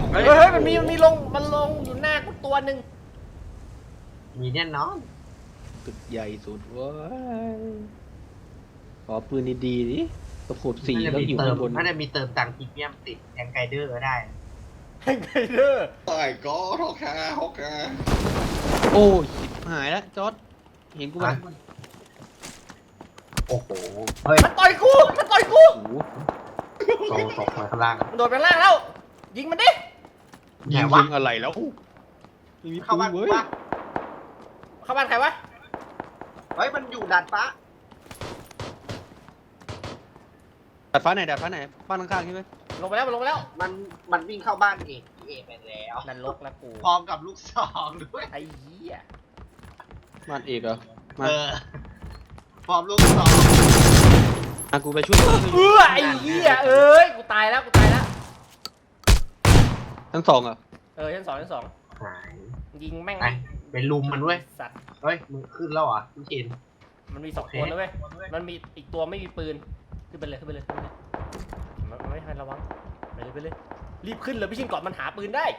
เฮ้ยมันมีลงอยู่หน้ากูตัวหนึ่งมีแน่นอนตึกใหญ่สุดเว้ยขอปืนดีๆดิกระโดดสีแล้วอยู่ข้างบนน่าจะมีเติมตังค์พรีเมียมติดแองไกเดอร์ก็ได้แฮงไกเดอร์ตายก็ฮอกคาฮอกคาโอ้ยชิบหายแล้วจอร์ดเห็นกูไหมโอ้โหเฮ้ยมันต่อยกูโอ้โหโซตกมาข้างล่างมันโดดไปข้างล่างแล้ว ยิงมันดิไหนยิงวะอะไรแล้วไม่มีเข้าปืบ้านนกูเว้ยปะเข้าบ้านใครวะเฮ้ยมันอยู่ดาดฟ้าดาดฟ้าไหนบ้านข้างๆใช่ไหมลงไปแล้วมันวิ่งเข้าบ้านเอกไปแล้วนั่นลกแล้วกูพร้อมกับลูกซองด้วยไอ้เหี้ยบ้านเอกเหรอมาพร้อมลูกซองกูไปช่วยไอ้เหี้ยเอ้ยกูตายแล้วทั้งสองเหรอชั้นสองหายยิงแม่งไปลุมมันเว้ยสัตว์เฮ้ยมึงขึ้นแล้วเหรอพี่ชินมันมีสองคนนะเว้ยมันมีอีกตัวไม่มีปืนขึ้นไปเลยมันไม่ทันระวังไปเลยรีบขึ้นเลยพี่ชินก่อนมันหาปืนได้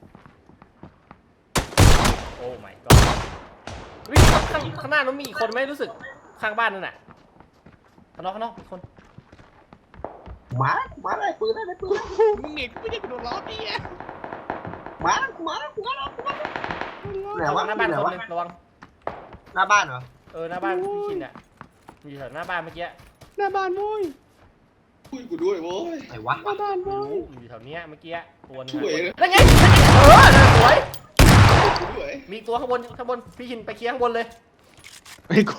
โอ้ my god วิ่งข้างหน้ามันมีอีกคนไหมรู้สึกข้างบ้านนั่นน่ะข้างนอกอีกคนมาเลยปืนได้ปืนมึงเห็นกูไม่ได้กระโดดล้อดีอ่ะมาไหนระวัวะงหน้าบ้านไหนคนวะหนึงระวังหน้าบ้านเหรอหน้าบ้านพี่ชินอ่ะอยู่แถวหน้าบ้านเมื่อกี้หน้าบ้านโว้ยช่วยกูด้วยโว้ยไหนวะหน้าบ้านไม่โว้ยรู้อยู่แถวเนี้ยเมื่อกี้ตัวนึงช่วยนะนั่นไงนั่นสวยกูด้วยมีตัวข้างบนพี่ชินไปเคลียร์ข้างบนเลยไอ้กู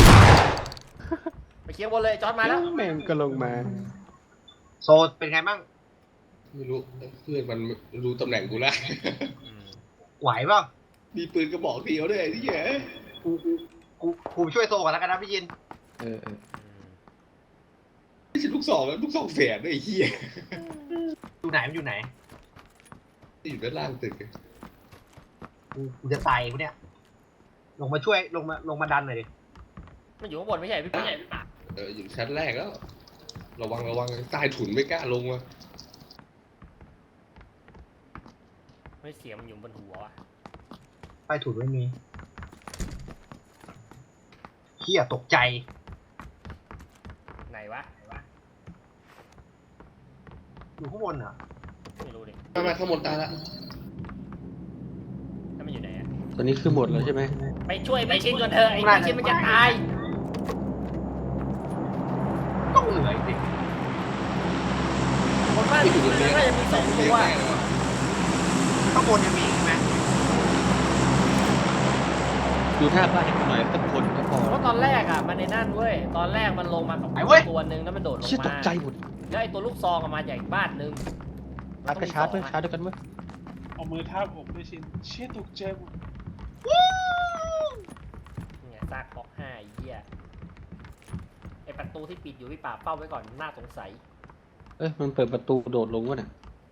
ไปเคลียร์ข้างบนเลยจอร์ดมาแล้วแม่งก็ลงมาโซเป็นไงบ้างไม่รู้เพื่อนมันรู้ตำแหน่งกูแล้วไหวเปล่ามีปืนกระบอกเดียวด้วยไอ้ที่แย่กูช่วยโซก่อนแล้วกันนะพี่ชินเออไม่ใช่ลูกซองแล้วลูกซองแฝดด้วยไอ้เหี้ยอยู่ไหนมันอยู่ไหนอยู่ด้านล่างตึกกูจะตายกูเนี่ยลงมาช่วยลงมาดันหน่อยดิมันอยู่ข้างบนไม่ใช่พี่ปาอยู่ชั้นแรกแล้ว ระวังใต้ถุนไม่กล้าลงมาไม่เสียงมันอยู่บนหัววะไปถุนไม่มีเฮียตกใจไหนวะอยู่ข้างบนเหรอไม่รู้ดิมาข้างบนตายละถ้ามันอยู่ไหนอะตอนนี้คือหมดแล้วใช่ไหมไปช่วยพี่ชินก่อนเถอะไอ้พี่ชินมันจะตายต้องเหลืออีกสิคนบ้านพี่ชินน่าจะมีสองตัวข้างบนยังมีอีกไหมดูท่าบ้านให้กูหน่อยสักคนก็พอเพราะตอนแรกอ่ะมันในนั่นเว้ยตอนแรกมันลงมากับตัวหนึ่งแล้วมันโดดลงเชี่ยตมากใจหมดแล้วไอ้ตัวลูกซองมาจากอีกบ้านหนึ่งชาร์จก็ชาร์จด้วยชาร์จด้วยกันเว้ยเอามือทาบอกด้วยชินเชี่ยตกใจหมดเนี่ยซากบล็อก5ไอ้เหี้ยไอ้ประตูที่ปิดอยู่พี่ป่าบเฝ้าไว้ก่อนน่าสงสัยเอ้ยมันเปิดประตูโดดลงวะเนี่ย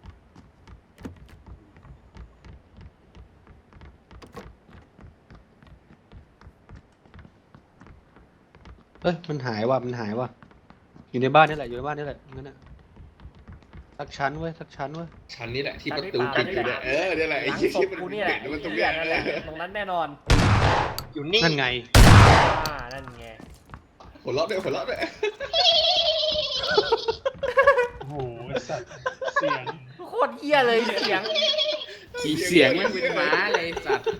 เอ้ยมันหายว่ะอยู่ในบ้านนี่แหละงั้นน่ะสักชั้นเว้ยชั้นนี้แหละที่ประตูปิดอยู่เนี่ยเนี่ยแหละหไอ้ลังเหี้ยศที่พมันกูนี่แหละเห็นมันตรงเหี้เนี้ยยนั่นแหละตรงนั้นแน่นอนอยู่นี่นั่นไงนั่นไงหัวเราะด้วยโอ้โหสัตว์เสียงโคตรเหี้ยเลยเสียงขี่เสียงไม่เป็นม้าเลยสัตว์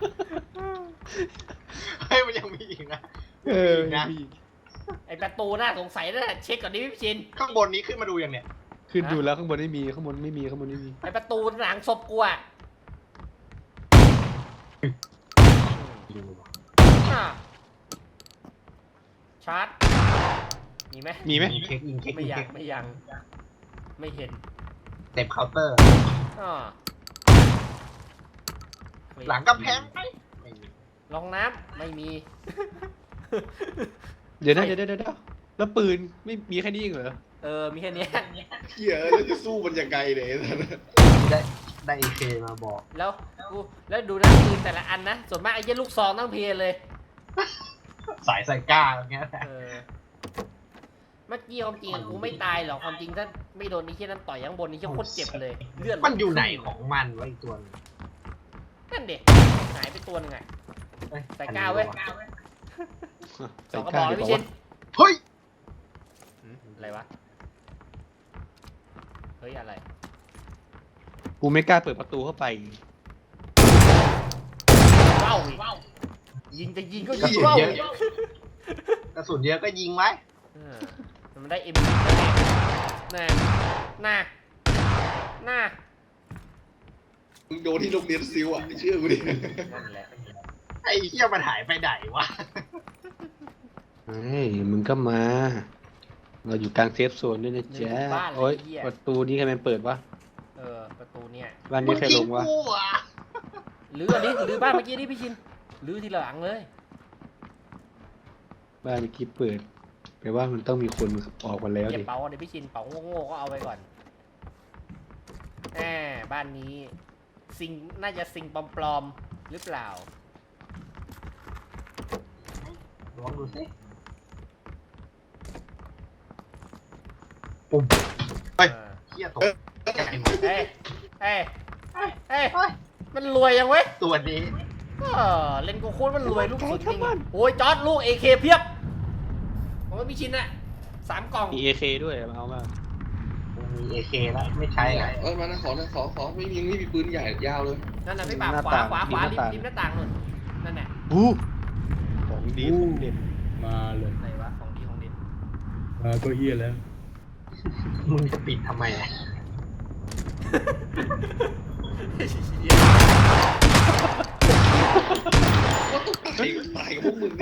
เฮ้ยมันยังมีอีกนะเออนะไอ้ประตูน่าสงสัยนั่นแหละเช็คก่อนดิพี่ชินข้างบนนี้ขึ้นมาดูยังเนี่ยขึ้นดูแล้วข้างบนไม่มี ข้างบนไม่มีไอ้ประตูหลังศพกูอ่ะอ่ะชาร์จมีไหมมีไหมยิงเช็คไม่ยังไม่เห็นเต็มเคาน์เตอร์อ่าหลังกำแพงไม่มีรองน้ำไม่มีเดี๋ยวแล้วปืนไม่มีแค่นี้เองเหรอมีแค่เนี้ยเหี้ยแล้วจะสู้มันยังไงเนี่ยได้เอเคมาบอกแล้วดูนะปืนแต่ละอันนะส่วนมากไอ้เหี้ยลูกซองตั้งเพลเลยสายไซก้าอย่างเงี้ยเออเมื่อกี้ความจริงอะกูไม่ตายหรอกความจริงถ้าไม่โดนไอ้เหี้ยนั้นต่อยข้างบนนี่เหี้ยโคตรเจ็บเลยเลือดมันอยู่ไหนของมันวะอีกตัวนึงนั่นเด็กหายไปตัวหนึงไงเอ้ยใส่ก้าวเว้ย สองกระบอกเลยพี่ชินเฮ้ยอะไรวะเฮ้ยอะไรกูไม่กล้าเปิดประตูเข้าไปว้าวอีกยิงจะยิงก็กระยิงสุนว้าวเยอีอะกกระสุนเยอะก็ยิงไว้เออมันได้เอ็มน่ะน่ะน่ะมึงโดนที่โรงเรียนซิลอ่ะเชื่อกูดินั่นแหละไอ้เหี้ยมันหายไปไหนวะเฮ้ยมึงก็มา เราอยู่กลางเซฟโซนด้วยนะจ๊ะโอ๊ยประตูนี้ใครมันเปิดวะประตูเนี่ยบ้านมึนี้งใครลทิ้งงวะกูอ่ะลื้ออันนี้ลื้อบ้านเมื่อกี้นี่พี่ชินลื้อทีละหลังเลยบ้านเมื่อกี้เปิดแปลว่ามันต้องมีคนออกมาแล้วเก็บดิเป๋าเดี๋ยวพี่ชินเป๋าโง่ๆก็เอาไปก่อนบ้านนี้ซิงน่าจะซิงปลอมๆหรือเปล่าลองดูสิปุ่มเฮ้ยเหี้ยตกใจหมดเอ้ยเอ้ยเฮ้ยเอ้ยเฮ้ยมันรวยยังเว้ยตัวนี้เล่นกูโคตรมันรวยลูกสุดจริงโอ้ยจอร์ดลูก AK เพียบผมว่าพี่ชินอะ3 กล่องมี AK ด้วยเอามามีเอเคแล้วไม่ใช่อ่ะมานะขอไม่มีปืนใหญ่ยาวเลยนั่นน่ะพี่บ่าวขวาริมหน้าต่างนู่นนั่นน่ะบูของดีของเด็ดมาเลยไหนวะของดีของเด็ดมาก็เฮียแล้วมึงจะปิดทำไมอ่ะว่าต้องตายกับพวกมึงดิ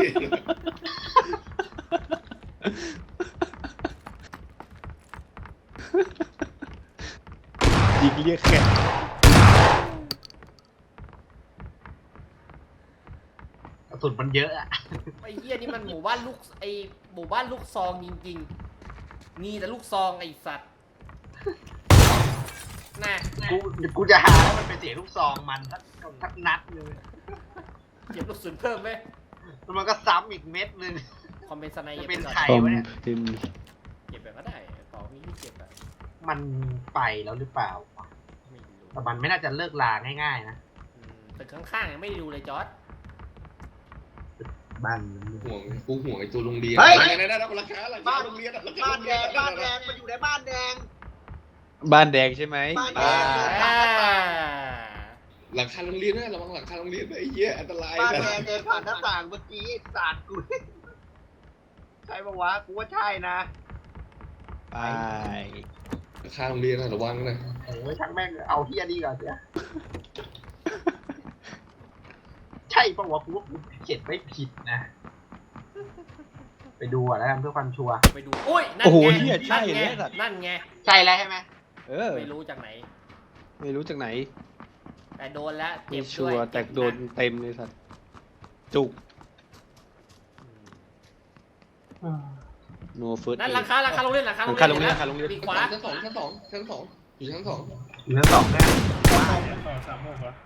ยิงเรียกแขกกระสุนมันเยอะอ่ะไอ้เหี้ยนี่มันหมู่บ้านลูกซองจริงๆมีแต่ลูกซองไอ้สัตว์น่ะกูจะหาแล้วมันเป็นเสียงลูกซองมันสักนัดนึงเก็บลูกศูนย์เพิ่มไหมแล้วมันก็ซ้ำอีกเม็ดนึงคอมเป็นสไนจะเปเป็นอร์ใครคอมวะเนี่ยเป็นเก็บแบบก็ได้เป๋ามีที่เก็บอะมันไปแล้วหรือเปล่าไม่รู้แต่มันไม่น่าจะเลิกลาง่ายๆนะตึกข้างๆยังไม่ได้ดูเลยจอร์ดบ้านกูห่วงไอ้ตัวโรงเรียนเฮ้ยนั่นราคาโรงเรียนราคาบ้านโรงแดเรียนงบ้านแดงมันอยู่ในบ้านแดงบ้านแดงใช่ไหมบ้านแดงหลังคาโรงเรียนนะระวังหลังคาโรงเรียนไอ้เหี้ยอันตรายบ้านนะแดงเดินผ่านหน้าต่างเมื่อกี้ไอ้สาดกูใช่ปะวะกูว่าใช่นะไปหลังคาโรงเรียนนะระวังนะโอ้ยช่างแม่งเอาเฮียนี่ก่อนเสียใช่ปะวะกูว่ากูเขียนไม่ผิดนะ ไปดูอ่ะแล้วกันเพื่อความชัวร์ไปดูอุ้ยนั่นโอ้โหไงเฮียใช่นั่นเลไงยสัตว์นั่นไงใช่แล้วใช่ไหมเออไม่รู้จากไหนไม่รู้จากไหนแต่โดนแล้วไม่เจ็บชัด้ววย ร์แต่โดนเต็มเลยสัตว์จุก no first นั่น aid หลังคาโรงเรียนหลังคาโรงเรียนปีกขวาชั้นสองอยู่ชั้นสองเหลือสองแค่ต่อ3 6เหรอ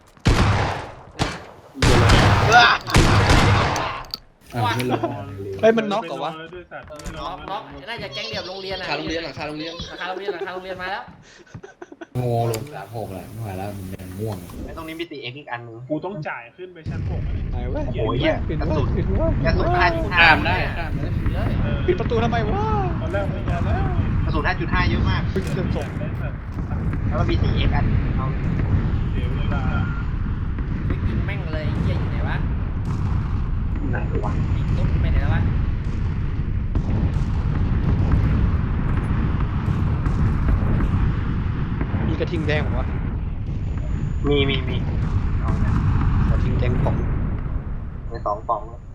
ไม่รอเฮ้ยมันน็อกเหรอวะด้วยสัตว์ไม่รน็อกน่าจะแก๊งเดียวโรงเรียนหลัอะงคาโรงเรียนหลังคาโรงเรียนหลังคาโรงเรียนมาแล้วโง่ลง3 6แหละไม่ไหวแล้วมันยังง่วงไอ้ตรงนี้มีตีเอ็กอีกอันนึงกูต้องจ่ายขึ้นไปชั้น6เลยไหนวะโอ้ยเหี้ยปิดกระวะสุนปิดวะกระสุนข้าม 5.5 ได้ข้ามเลยเลยปิดประตูทำไมวะตอนแรกไม่ยาแล้วกระสุน 5.5 เยอะมากเพิ่งจะส่งได้สัตว์แล้วก็มีตีเอ็กอันเอาเดี๋ยวเวลาไปกินแม่งเลยเหี้ยอยู่ไหนวะไหนวะปีกตุ๊บไปไหนแล้ววะมีกระทิงแดงเหรอวะมีเอาเนี่ยกระทิงแดงป่องใน2 ปองแล้ว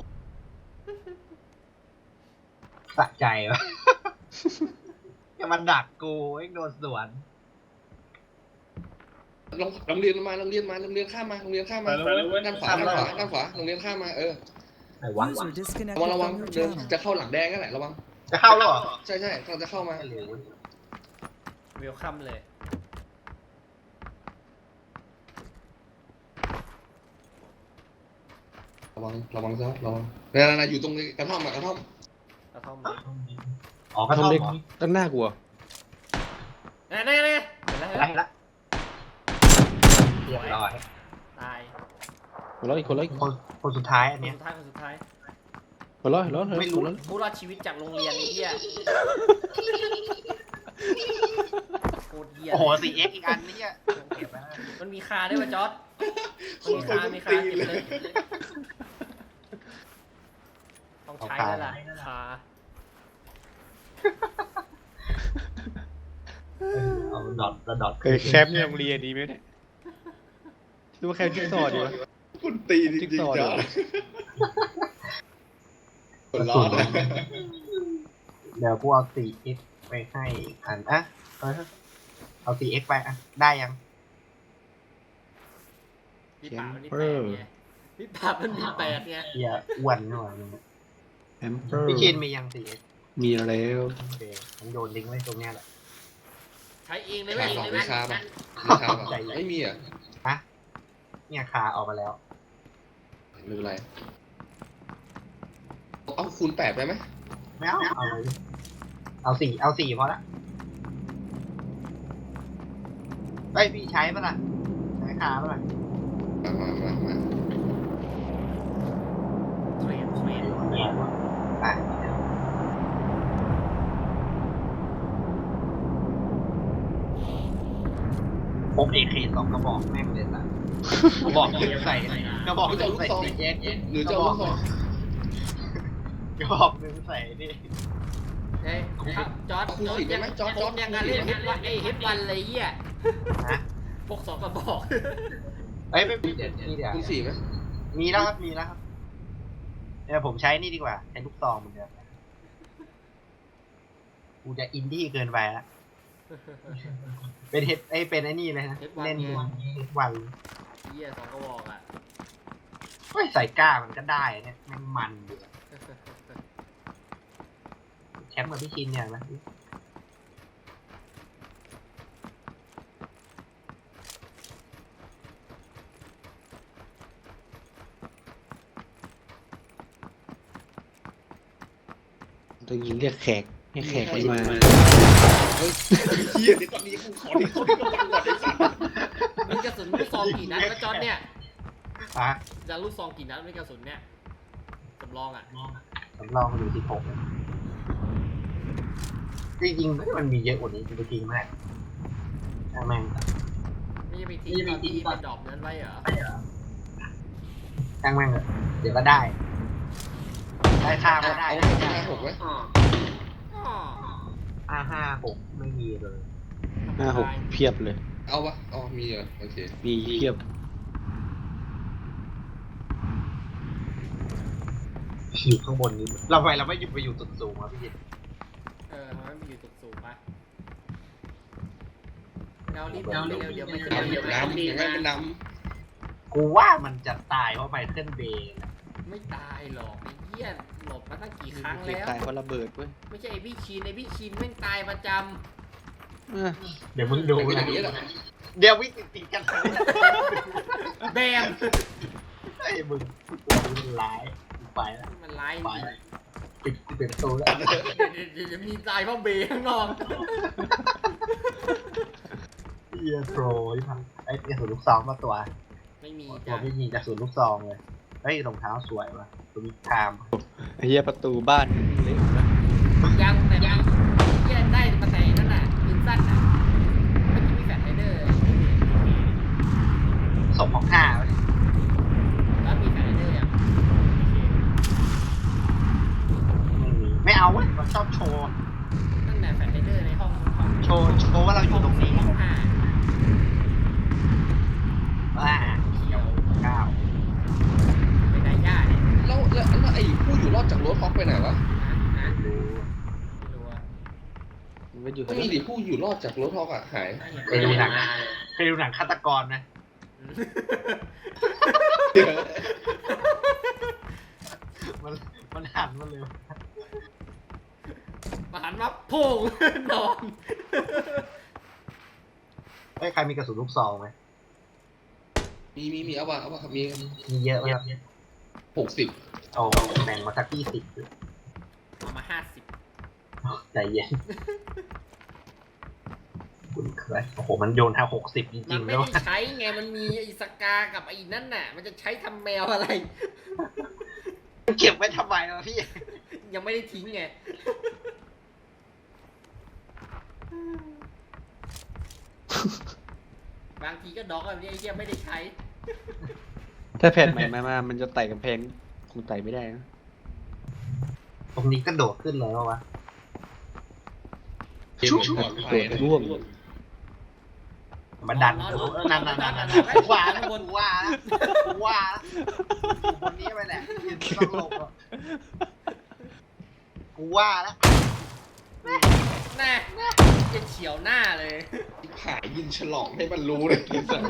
สะใจวะ อย่ามาดักกูไอ้โดนสวนโรงเรียนมาโรงเรียนข้ามมาโรงเรียนข้ามมาด้านขวาโรงเรียนข้ามมาไหนวะ User disconnected ระวัง from your เดิน channel. จะเข้าหลังแดงนั่นแหละระวังจะเข้าแล้วเหรอใช่กำลังจะเข้ามาหรือเวลคัมเลยระวังซะระวังนั่นอยู่ตรงกระท่อมกระท่อมอ๋อกระห้ท่ออง มเล็กเหรอตั้งหน้ากลัวนี่เห็นแล้วอะไรละเรียบร้อยตายหัวเราะอีกคนละอีกคนสุดท้ายอันคนเนี้ยสุดท้ายหัวเราะหัวเราะไม่รู้หัวเราะผู้รอดชีวิตจากโรงเรียนไอ้เหี้ยโคตรเหี้ยโอ้โห 4x อีกอันเนี่ยเก็บไว้แล้วมันมีคาด้วยป่ะจอร์ดมีคาเก็บเลยต้องใช้แล้วล่ะคาเอาดอทแล้วดอทเคยแคมป์ในโรงเรียนดีไหมเนี่ยดูว่าแคมป์จิ๊กซอว์ดีวะคุณตีจริงๆจ้ะคนร้อนนะเดี๋ยวกูเอา 4x ไปให้อันอ่ะเอา 4x ไปอ่ะได้ยังพี่ป่ามันมี8ไงพี่ป่ามันมี8ไงเฮียอ้วนหน่อยแอมเปอร์พี่ชินมียัง 4x มีแล้วโอเคผมโยนลิงก์ไว้ตรงเนี้ยแหละใช้เองเลยขาเว้ยสองเองวิเลยชาเว้ป่ะยวิชาป่ะไม่มีอ่ะฮะเนี่ยคาออกมาแล้วไม่เป็นไรเอาคูณ 8ไปไหมไม่เอาเลยเอาสี่พอละเฮ้ยพี่ใช้ปะล่ะใช้คาปะล่ะมาเทรนเนี่ยอ่ะผม AK 2 กระบอกแม่งเลยล่ะกระบอกหนึ่งใส่กระบอกหนึ่งใส่แยกหรือจะเอาลูกซองกระบอกหนึ่งใส่นี่เฮ้ยจอร์ดผมยังการเล่นเฮดวันเลยเหี้ยนะพวก2 กระบอกเอ้ยไม่มีเดี๋ยวนี่เดี๋ยวคูณ 4ไหมมีแล้วครับมีแล้วครับเดี๋ยวผมใช้นี่ดีกว่าใช้ลูกซองเหมือนเดิมกูจะอินดี้เกินไปละเป็นเฮดเป็นไอ้นี่เลยนะเล่นเฮดวันเหี้ย2 กระบอกอ่ะเฮ้ยใส่ก้ามันก็ได้เนี่ยแม่งมันอยู่แคมป์กับพี่ชินเนี่ยนะต้องยิงเรียกแขกให้แขกมันมาเฮ้ยเฮียเดี๋ยวตอนนี้กูขอที่เขาที่กำลังก่อนไอ้สัตว์มีกระสุนลูกซองกี่นัดแล้วจอร์ดเนี่ยฮะจะลูกซองกี่นัดไม่กระสุนเนี่ยจำลองอ่ะสำรองอยู่16เลยจริงๆมันมีเยอะกว่านี้จริงๆมากช่างแม่งไม่ใช่ไปทิ้งตอนที่ไปดรอปนั้นไว้เหรอช่างแม่งเลยเดี๋ยวก็ได้ค่าก็ได้เอาไป56ไหม 56ไม่มีเลย 5-6เพียบเลยเอาปะอ๋อมีเหรอโอเคมีเพียบอยู่ข้างบนนี้เราไม่หยุดไปอยู่ตึกสูงวะพี่ยินทำไมไม่อยู่ตึกสูงปะเรารีบเดี๋ยวมันจะน้ำอย่างนั้นเป็นน้กูว่ามันจะตายเพราะไมเคิลเบย์นะไม่ตายหรอกไอ้เหี้ยหลบมาตั้งกี่ครั้งเคยแล้วตายเพราะระเบิดเว้ยไม่ใช่ไอ้พี่ชินแม่งตายประจเออเดี๋ยวมึงำดูเป็นอนะย่างนี้แหละเดี๋ยววิ่งติดกันเลยำแบมไอ้มึงตัวมึงร้ายไปแล้วมันร้ายไปปิดประตูแล้วเดี๋ยวมีตายเพราะเบย์ข้างนอกเฮียโปรที่ทำไอ้กระสุนลูกซองมาตัวไม่มีตัจ้ะวไม่ยิงกระสุนลูกซองเลยเฮ้ยรองเท้าสวยว่ะตัวนี้คามไอ้เหี้ยประตูบ้านเล็กนะยังเหี้ยได้มาแต่นั่นน่ะปืนสั้นน่ะเมื่อกี้มีแฟลชไรเดอร์ศพของข้าวะเนี่ยแล้วมีแฟลชไรเดอร์ยังไม่เอาเว้ยมันชอบโชว์ตั้งแต่แฟลชไรเดอร์ในห้องโชว์ว่าเราอยู่ตรงนี้ห้องห้าว่าเขียวก้าวไปไหนย่าเนี่ยแล้วไอ้ผู้อยู่รอดจากรถฮอกไปไหนวะนะดูไม่รู้อะมันไม่อยู่ไม่มีดิผู้อยู่รอดจากรถฮอกอ่ะหายเคยดูหนังฆาตกรไหมมันหันมาเลยมาหันมาโพ่งนอนเฮ้ยใครมีกระสุนลูกซองไหมมีเอาป่ะครับมีมีเยอะไหมครับ 60 โอ้แบ่งมาสัก20 เอามา50 ใจเย็นคุณเคยโอ้โหมันโยนท่า60จริมันงๆไม่แล้วได้ใช้ไงมันมีไอ้สกากับไอ้นั่นน่ะ มันจะใช้ทำแมวอะไรเก็บไว้ทำไมวะพี่ยังไม่ได้ทิ้งไง บางทีก็ดอกแบบนี้ไอ้เหี้ยไม่ได้ใช้ถ้าแผ่นใหม่มามันจะไต่กำแพงคงไต่ไม่ได้นะตรงนี้กระโดดขึ้นเลยว่าวะเกมเหมือนปลอดภัยนะร่วงมาดันนอนนั่นนอนกูว่าแล้วกูว่าแล้วกูว่าแล้วคนนี้ไปแหละยืนต้องหลบอ่ะกูว่าแล้วแน่จะเฉียวหน้าเลยขายยินฉลองให้มันรู้เลยที่สัตว์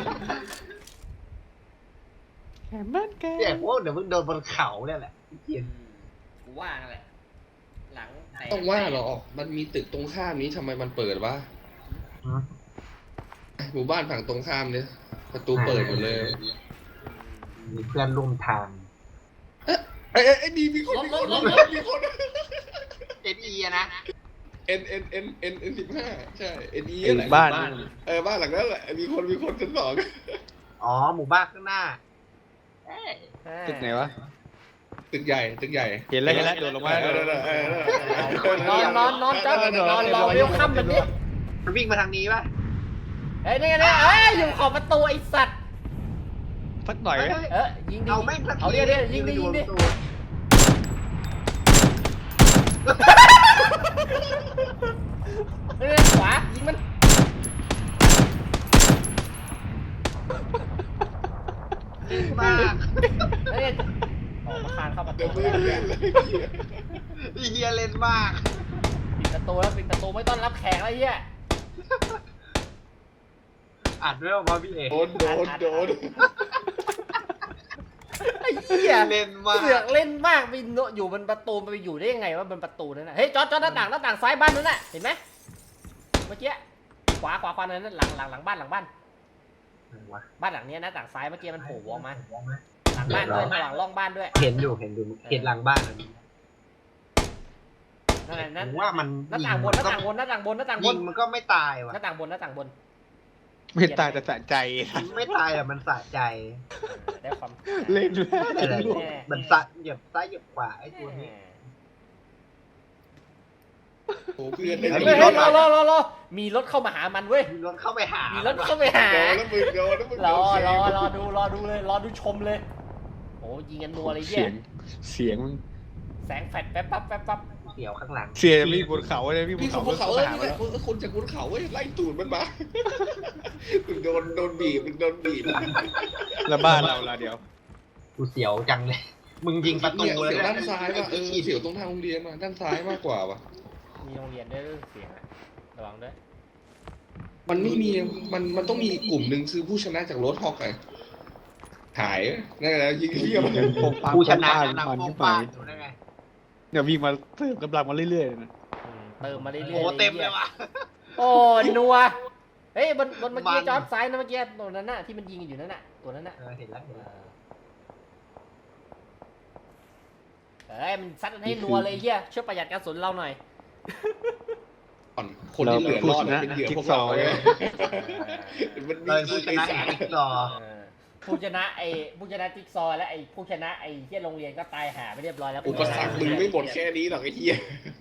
แผ่นบ้านแกเนี่ยพวกเดี๋ยวมึงโดนบนเขาเนี่ยแหละพี่เกียนกูว่านั่นแหละ หลังแตกต้องว่าหรอมันมีตึกตรงข้ามนี้ทำไมมันเปิดวะหมู่บ้านฝั่งตรงข้ามเนี่ยประตูเปิดหมดเลยมีเพื่อนร่วมทางไอ้ดีมีคนมีคนมีคน NE อะนะ N 15ใช่ NE ไอ้แหละบ้านบ้านหลังนั้นแหละมีคนชั้นสองอ๋อหมู่บ้านข้างหน้าเอ้ยตึกไหนวะตึกใหญ่เห็นแล้วโดดลงมานอนจ้านอนรอเวลคัมแบบนี้มันวิ่งมาทางนี้ป่ะเฮ้ยนี่ไงเนี่ยอยู่ขอบประตูไอ้สัตว์สักหน่อยไหมยิงดิเอาแม่งสักทีเอาดิยิงดิยิงดิเฮ้ยขวายิงมันมากเฮ้ยออกมาคานเข้าประตูเดี๋ยวมือเล่นเลยเฮียเล่นมากปิดประตูแล้วปิดประตูไม่ต้อนรับแขกแล้วเฮียอัดด้วยว่าพี่เอกโดนไอ้เหี้ยเล่นมากเสือกเล่นมากไปอยู่บนประตูไปอยู่ได้ยังไงว่าบนประตูนั่นน่ะเฮ้ยจอดหน้าต่างซ้ายบ้านนั่นน่ะเห็นไหมเมื่อกี้ขวานั่นหลังบ้านบ้านหลังนี้หน้าต่างซ้ายเมื่อกี้มันโผล่ออกมาหลังบ้านด้วยหลังร่องบ้านด้วยเห็นอยู่เห็นหลังบ้านอันนี้นั่นผมว่ามันหน้าต่างบนหน้าต่างบนหน้าต่างบนหน้าต่างบยินงมันก็ไม่ตายว่ะหน้าต่างบนหน้าต่างบนไม่ตายแต่สะใจยิงไม่ตายอ่ะมันสะใจได้ความเล่นด้วยอะไรมันสะเหยียบซ้ายเหยียบขวาไอ้ตัวนี้โอ้เพื่อนเฮ้ได้ยรอมีรถเข้ามาหามันเว้ยมีรถเข้าไปหามีมีรถเข้าไปหาโดนแล้วมึงรอดูเลยรอดูชมเลยโอ้ยิงกันนัวเลยเหี้เสียงมันแสงแฟลชแป๊บปั๊บเกี่ยวข้างหลังเสียงมีบนเขาเลยพี่บมีนคนเขาบนเขามาหานี่มาแหแล้ละวคนจากบนเขาไล่ตูดมันมามึงโดนบีบแล้วบ้านเราล่ะเดี๋ยวกูเสียวจังเลยมึงยิงประตูเลยเสียวด้านซ้ายว่ะเสียวตรงทางโรงเรียนมาด้านซ้ายมากกว่าว่ะมีโรงเรียนด้วยเสียงอะระวังด้วยมันไม่มีมันต้องมีกลุ่มหนึ่งคือผู้ชนะจากรถฮอกไงหายนั่นแหละยิงเที่ยวยังโปงปังกูชนะโปงนะปังโป้ขึ้งนไปป้างอยู่ได้ไงเดี๋ยววิ่งมาเพิ่มกำลังมาเรื่อยๆนะเติมมาเรื่อยๆโอ้เต็มเลยว่ะโอ้นัวเฮ้ยบนเมื่อกี้จอดซ้ายนะเมื่อกี้ตัวนั้นน่ะที่มันยิงอยู่นั่นน่ะตัวนั้นน่ะเห็นแล้วเอ้ยมันซัดให้นัวเลยเฮียช่วยประหยัดกระสุนเราหน่อยคนที่เหลือรอดเป็นเหยื่อพวกเราไงมันเลยมีผู้ชนะอีกรอผู้ชนะผู้ชนะจิ๊กซอว์และผู้ชนะเฮียโรงเรียนก็ตายหาไปเรียบร้อยแล้วอุปสรรคมึงไม่หมดแค่นี้หรอกไอ้เหี้ย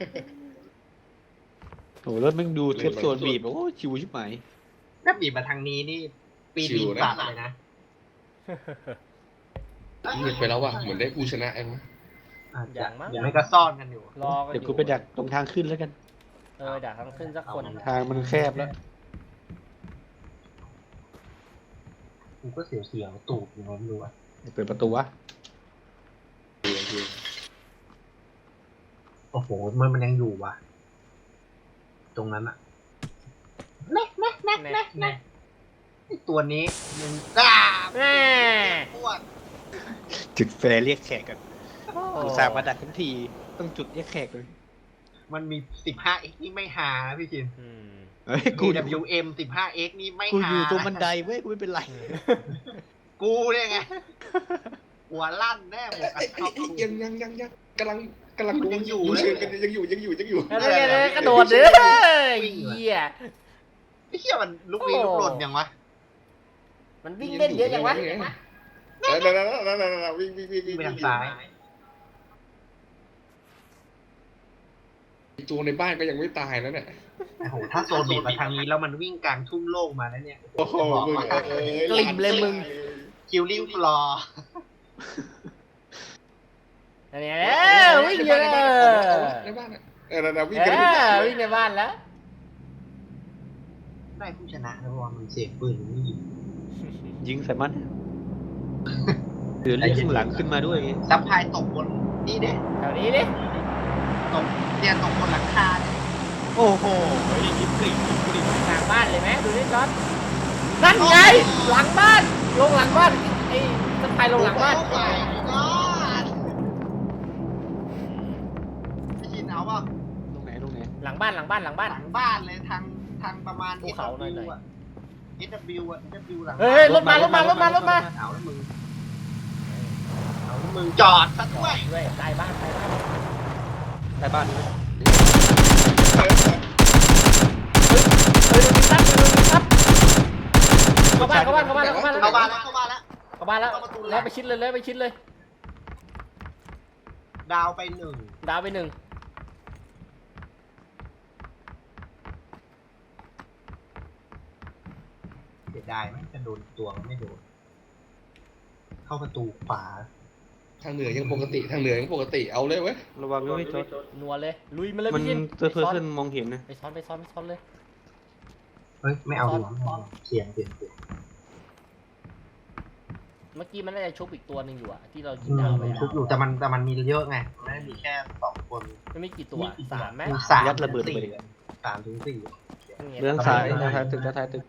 โอ้รถแม่งดูเทปโซนบีบโอ้ชิวชิบหายถ้าบีบมาทางนี้นี่ปีนตัดเลยนะเงียบไปแล้วว่ะเหมือนได้ผู้ชนะเองอย่างไม่ก็ซ่อนกันอยู่รอกันอเดี๋ยวยู่กูไปดักตรงทางขึ้นแล้วกันดักทางขึ้นสักคนทางมันแคบแล้วกูก็เสียวตูดอยู่นะไม่รู้อ่ะเปิดประตูวะโอ้โหมันยังอยู่ว่ะตรงนั้นอ่ะแน่ตัวนี้มึงกล้าแน่พวกจุดแฟร์เรียกแขกกันอุตส่าห์มาดักทั้งทีต้องจุดเรียกแขกเลยมันมี 15x นี่ไม่หานะพี่ชินเฮ้ยกู DWM 15x นี่ไม่กูหาอยู่ตรงบันไดเว้ยกูไม่เป็นไรกูเนี่ยไงหัวลั่นแน่หมดยังกำลังกำลังดูอยู่เชิญกันยังอยู่แล้วเนี่ยกระโดดเลยเหี้ยไอ้เหี้ยมันลุกลี้ลุกลนยังวะมันวิ่งเล่นเยอะจังวะวิ่งไปทางซ้ายตัวในบ้านก็ยังไม่ตายแล้วเนี่ยโอ้โหถ้าโซนบีบมาทางนี้แล้วมันวิ่งกลางทุ่งโล่งมาแล้วเนี่ยโอ้โหมึงกลิ่มเลยมึงคิวลิ่งฟลอร์เนี่ยวิ่งเยอะในบ้านอ่ะวิ่งวิ่งในบ้านแล้วได้ผู้ชนะนะเพราะว่ามันเสียงปืนมันไม่ยิงยิงใส่มันเดือดเลือดข้างหลังขึ้นมาด้วยซับพลายตกบนนี่เด้แถวนี้ดิตกเนี่ยตกบนหลังคาเนี่ยโอ้โหยิงกลิ่งหลังบ้านเลยไหมดูดิจอดนั่นไงหลังบ้านลงหลังบ้านไอ้สไปลงหลังบ้านโอ้ my god พี่ชินเอาป่ะตรงไหนหลังบ้านหลังบ้านหลังบ้านหลังบ้านเลยทางประมาณภูเขาหน่อย SW อะ SW อะ SW หลังเฮ้ยรถมารถมาเอาแล้วมึงจอดซะด้วยด้วยใต้บ้านใต้บ้านใต้บ้านด้วยเฮ้ยดูซับดูซับเข้าบ้านเข้าบ้านเข้าบ้านแล้วเข้าบ้านแล้วเข้าบ้านแล้วเข้าบ้านแล้วเข้าบ้านแล้วแล้วไปชิดเลยเลยไปชิดเลยดาวไปหนึ่งดาวไปหนึ่งเสียดายไหมจะโดนตัวมันไม่โดน เข้าประตูขวาทางเหนือยังปกติเอาเลยเว้ยระวังด้วยจอดนัวเลยลุยมาเลยมันพี่ชินเพื่อนมองเห็นนะไปซ้อนไปซ้อนไปซ้อนเลยเฮ้ย ไม่เอาดีกว่าเสียงเมื่อกี้มันน่าจะชุบอีกตัวหนึ่งอยู่อะที่เรายิงดาวไปมันชุบอยู่แต่มันมีเยอะไงไม่ได้มีแค่2 คนมันไม่กี่ตัวสามไหมมี3 ยัดระเบิดไปเลย 3 ถึง 4 เรื่องซ้ายท้ายตึกท้ายตึก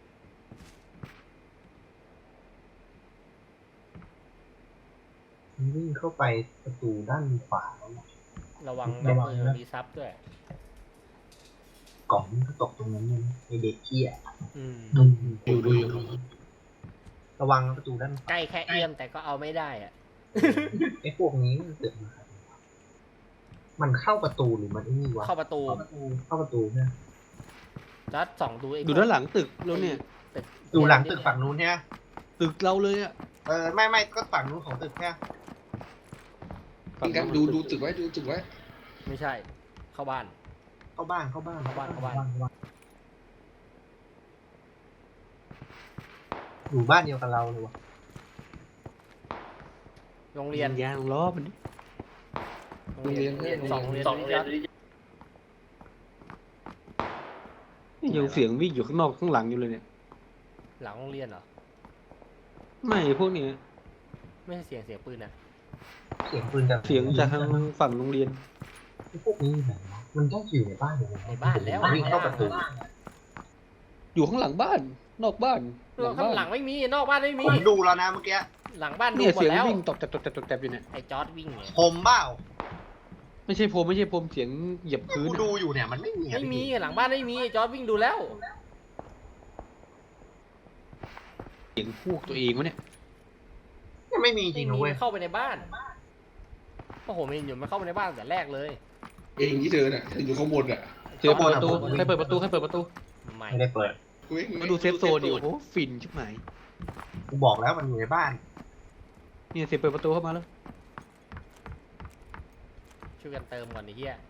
มันวิ่งเข้าไปประตูด้านขวาแล้วนะระวังแบบปืนมีซับด้วยกล่องมันก็ตกตรงนั้นเลยไอเด็กเกี้ยดูอยู่ระวังประตูด้านขวาใกล้แค่เอื้อมแต่ก็เอาไม่ได้อะไอ้พวกนี้มันเกิดมามันเข้าประตูหรือมันไอ้นี่วะเข้าประตูเข้าประตูเนี่ยจัดส่องดูไอ้ดูด้านหลังตึกแล้วเนี่ยตึกดูหลังตึกฝั่งนู้นเนี่ยตึกเราเลยอ่ะไม่ก็ฝั่งนู้นของตึกเนี่ยกันดูตึกไว้ไม่ใช่ เข้าบ้านเข้าบ้านอยู่บ้านเดียวกับเราเลยวะโรงเรียนยางล้อมันดิสองโรงเรียนจัดนี่ยังเสียงวิ่งอยู่ข้างนอกข้างหลังอยู่เลยเนี่ยหลังโรงเรียนเหรอไม่พวกนี้ไม่ใช่เสียงปืนนะเสียงปืนจากเสียงจากทางฝั่งโรงเรียนไอ้พวกนี้ไหนวะมันต้องอยู่ในบ้านเลยในบ้านแล้ววิ่งเข้าประตูอยู่ข้างหลังบ้าน นอกบ้านข้างหลังไม่มีนอกบ้านไม่มีผมดูแล้วนะเมื่อกี้หลังบ้านดูเนี่ยหมดเสียงแล้ววิ่งตบแตบอยู่เนี่ยไอ้จอร์ดวิ่งเนี่ยผมเปล่าไม่ใช่ผมเสียงเหยียบพื้นกูดูอยู่เนี่ยมันไม่มีอะไม่มีหลังบ้านไม่มีไอ้จอร์ดวิ่งดูแล้วเสียงพวกตัวเองวะเนี่ยไม่มีจริไม่งนะมีเว้ยเข้าไปในบ้านโอ้โหมันอยู่มันเข้าไปในบ้านแต่แรกเลยเองที่เธอน่ะอยู่ข้างบนอ่ะเสียงเปิดประตูใครเปิดประตูไม่ไม่ได้เปิดมาดูเซฟโซนดิโอ้โหฟินชิบหายกูบอกแล้วมันอยู่ในบ้านเนี่ยเสียงเปิดประตูเข้ามาแล้วช่วยกันเติมก่อนไอ้เหี้ย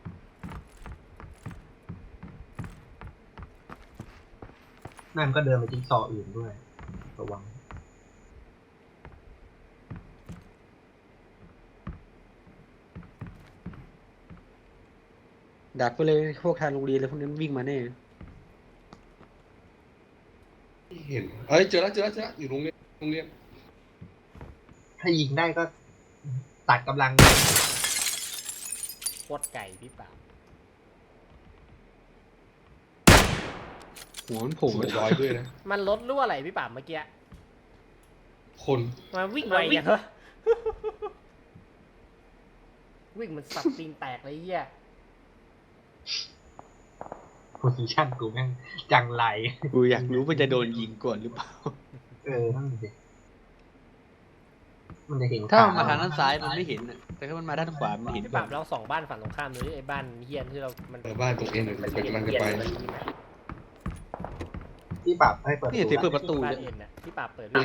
นั่นก็เดินไปจิ๊กซอว์อื่นด้วยระวังดักไปเลยพวกทางโรงเรียนเลยพวกนั้นวิ่งมาแน่เห็นเจอแล้วอยู่โรงเรียนถ้ายิงได้ก็ตัดกำลังโคตรไก่พี่ป่าหัวมันโผล่หัวมาลอยด้วยนะมันลดรั่วอะไรพี่ป่าเมื่อกี้คนมันวิ่งไวอย่างเหรอ วิ่งมันสับตีนแตกเลยไอ้เหี้ยโพซิชั่นกูแม่งจังไรกูอยากรู้ว่าจะโดนยิงก่อนหรือเปล่านั่นสิมันจะเห็นถ้ามันมาทางด้านซ้ายมันไม่เห็นอะแต่ถ้ามันมาด้านขวามันเห็นพี่ก่ปอราน บเราส่องบ้านฝั่งตรงข้ามเลยไอ้บ้านเฮียนที่เรา มันบ้านตรงเอ็นมันจะไปที่ปรับให้เปิดนี่เสียงเปิดประตูบ้านเนี่ยเอ็นน่ะพี่ปราบเปิด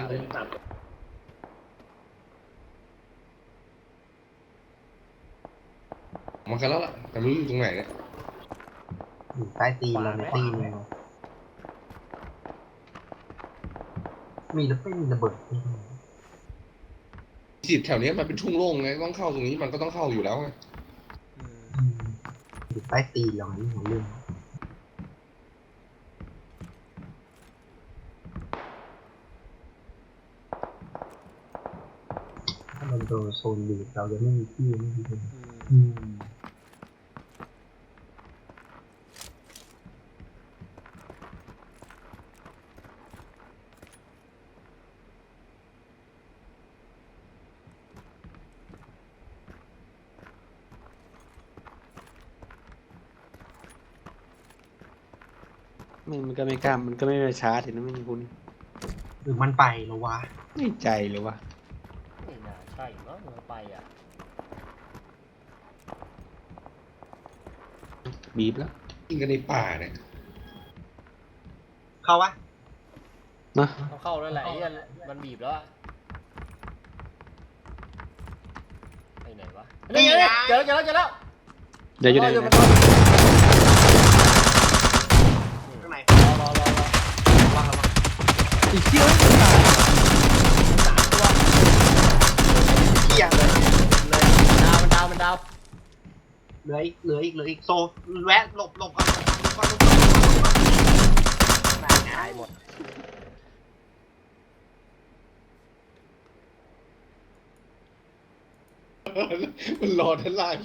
มากันแล้วล่ะแต่ไม่รู้อยู่ตรงไหนเนี่ยอยู่ใต้ตีนเราในตีนเลยมีแล้วไม่มีระเบิดจิตแถวเนี้ยมันเป็นทุ่งโล่งไงต้องเข้าตรงนี้มันก็ต้องเข้าอยู่แล้วไงอยู่ใต้ตีนเรานี่ของเรื่องถ้ามันโดนโซนบีบเราจะไม่มีที่ไม่มีที่มันก็ไม่กล้ามันก็ไม่มาชาร์จเห็นไหมไม่มีคุณหรือมันไปแล้ววะไม่ใจเลยวะไม่น่าใช่เนาะมันไปอ่ะบีบแล้วยิงกันในป่าเนี่ยเข้าวะนะต้องเข้าแล้วแหละไอ้เหี้ยมันบีบแล้วอะไปไหนวะนี่ไงเจอแล้วเดี๋ยวอยู่ไหนรอนะข้างในรอว่างแล้วอีกเที่ยวเที่ยงเลยมันดาวเหลืออีกโซแวะหลบก่อนตายหมดมันรอด้านล่าง